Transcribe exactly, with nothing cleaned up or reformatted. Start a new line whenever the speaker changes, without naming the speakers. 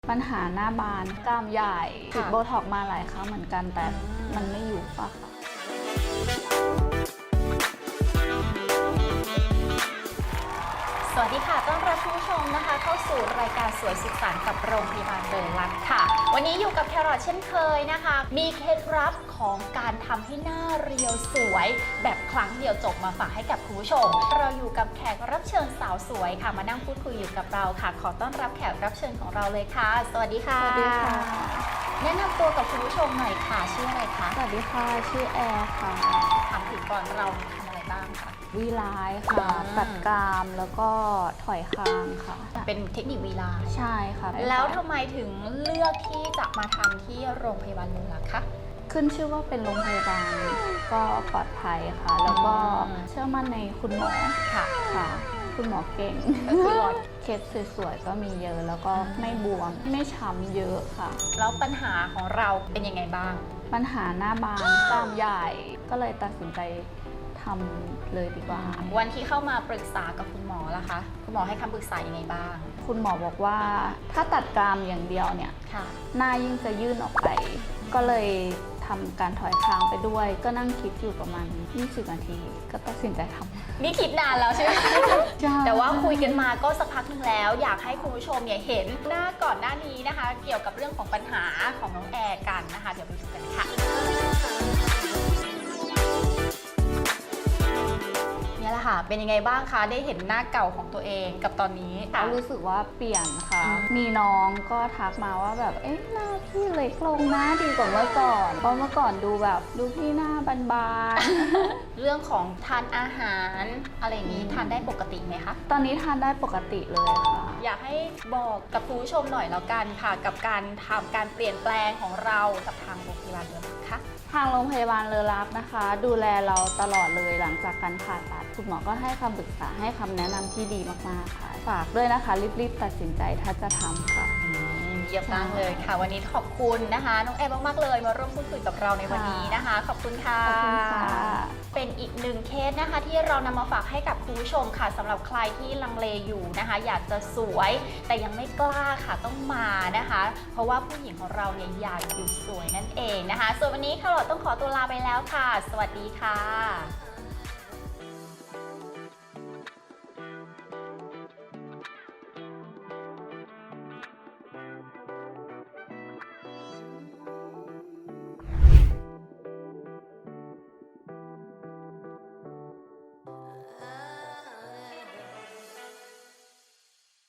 ปัญหาหน้าบานกล้ามใหญ่ฉีดโบท็อกมาหลายครั้งเหมือนกันแต่มันไม่อยู่ปะค่ะ
สวัสดีค่ะต้อนรับคุณผู้ชมนะคะเข้าสู่รายการสวยสุขสันต์กับโรงพยาบาลเบอร์ลัดค่ะวันนี้อยู่กับแครอทเช่นเคยนะคะมีเคล็ดลับของการทำให้หน้าเรียวสวยแบบครั้งเดียวจบมาฝากให้กับคุณผู้ชมเราอยู่กับแขกรับเชิญสาวสวยค่ะมานั่งพูดคุยอยู่กับเราค่ะขอต้อนรับแขกรับเชิญของเราเลยค่ะสวัสดีค่ะ
สวัสดีค่ะ
แนะนำตัวกับคุณผู้ชมหน่อยค่ะชื่ออะไรคะ
สวัสดีค่ะชื่อแอร์ค่ะ
ถามถึงก่อนเราทำอะไรบ้างคะ
วีไลน์ค่ะ
อ่า
ตัดกรามแล้วก็ถอยคางค่ะ
เป็นเทคนิควีลา
ใช่ค่ะ
แล้วทำไมถึงเลือกที่จะมาทำที่โรงพยาบาลเมืองลักคะ
ขึ้นชื่อว่าเป็นโรงพยาบาลก็ปลอดภัยค่ะ แล้วก็
อืม
เชื่อมั่นในคุณหมอ
ค่ะ
ค่ะ คุณหมอเก่ง
คุณหมอ
เคสสวยๆก็มีเยอะแล้วก็ไม่บวมไม่ช้ำเยอะค่ะ
แล้วปัญหาของเราเป็นยังไงบ้าง
ปัญหาหน้าบานกล้ามใหญ่ ก็เลยตัดสินใจทำเลยดีกว่า
วันที่เข้ามาปรึกษากับคุณหมอล่ะคะ คุณหมอให้คำปรึกษายังไงบ้าง
คุณหมอบอกว่าถ้าตัดกรามอย่างเดียวเนี่ย
ค่ะ
หน้ายิ่งจะยื่นออกไป ก็เลยทำการถอยคางไปด้วย ก็นั่งคิดอยู่ประมาณยี่สิบนาที ก็ตัดสินใจทำ
นี่คิดนานแล้วใช่ไหม
ใช่
แต่ว่าคุยกันมาก็สักพักหนึงแล้ว อยากให้คุณผู้ชมเนี่ยเห็นหน้าก่อนหน้านี้นะคะ เกี่ยวกับเรื่องของปัญหาของน้องแอร์กันนะคะ เดี๋ยวไปดูกันค่ะ เนี่ยแหละค่ะ เป็นยังไงบ้างคะ ได้เห็นหน้าเก่าของตัวเองกับตอนนี้ค่ะ
ก็รู้สึกว่าเปลี่ยนค่ะ
อืม
มีน้องก็ทักมาว่าแบบ เอ๊ะหน้าพี่เล็กลงนะดีกว่าเมื่อก่อน เพราะเมื่อก่อนดูแบบดูพี่หน้าบาน
เรื่องของทานอาหารอะไรอย่างนี้ทานได้ปกติไหมคะ
ๆ ตอนนี้ทานได้ปกติเลยค่ะ
อยากให้บอกกับคุณผู้ชมหน่อยแล้วกันค่ะ กับการทำการเปลี่ยนแปลงของเรากับทางโรงพยาบาลเมืองลักค่ะ
ทางโรงพยาบาลเลอรักนะคะ ดูแลเราตลอดเลยหลังจากการผ่าตัดคุณหมอก็ให้คำปรึกษาให้คำแนะนำที่ดีมากๆค่ะ ฝากด้วยนะคะรีบๆตัดสินใจถ้าจะทำค่ะ
เยี่ยมมากเลยค่ะ วันนี้ขอบคุณนะคะน้องแอร์มากๆเลยมาร่วมพูดคุยกับเราในวันนี้นะคะ ขอบคุณค่ะ
ขอบคุณค่ะ
เป็นอีกหนึ่งเคสนะคะที่เรานำมาฝากให้กับคุณผู้ชมค่ะสำหรับใครที่ลังเลอยู่นะคะ อยากจะสวยแต่ยังไม่กล้าค่ะต้องมานะคะ เพราะว่าผู้หญิงของเราเนี่ยอยากอยู่สวยนั่นเองนะคะ ส่วนวันนี้ค่ะเราต้องขอตัวลาไปแล้วค่ะ สวัสดีค่ะ